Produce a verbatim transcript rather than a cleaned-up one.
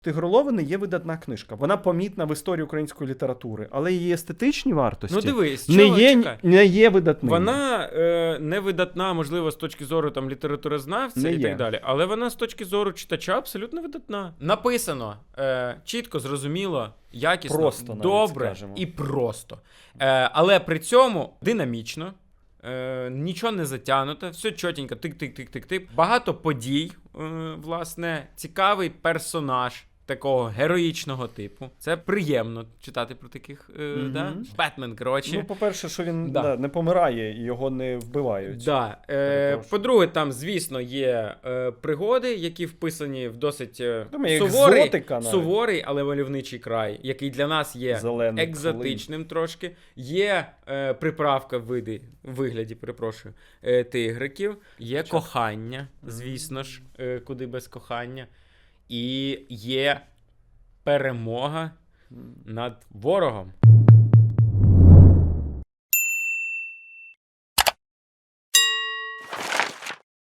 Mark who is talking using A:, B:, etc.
A: Тигролови не є видатна книжка. Вона помітна в історії української літератури, але її естетичні вартості
B: Ну дивись,
A: не,
B: чого,
A: є,
B: чекай.
A: не є видатними.
B: Вона е, не видатна, можливо, з точки зору там літературознавця
A: Не
B: і
A: є.
B: так далі, але вона з точки зору читача абсолютно видатна. Написано е, чітко, зрозуміло, якісно,
A: Просто навіть
B: добре
A: скажемо.
B: і просто. Е, але при цьому динамічно. Е, нічого не затягнуто, все чотенько, тик-тик-тик-тик-тик. Багато подій, е, власне, цікавий персонаж такого героїчного типу. Це приємно читати про таких, е,
A: Мгм.
B: да? Бетмен, коротше.
A: Ну, по-перше, що він
B: Да.
A: да, не помирає і його не вбивають.
B: Да. Е,
A: Перепрошую.
B: по-друге, там, звісно, є е, пригоди, які вписані в досить е,
A: Думаю,
B: суворий,
A: екзотика навіть.
B: суворий, але мальовничий край, який для нас є
A: Зелений
B: екзотичним трошки. Є е, приправка в види, в вигляді, перепрошую, е, тигриків, є
A: Чо?
B: кохання, звісно ж, е, куди без кохання, і є перемога
A: М.
B: над ворогом.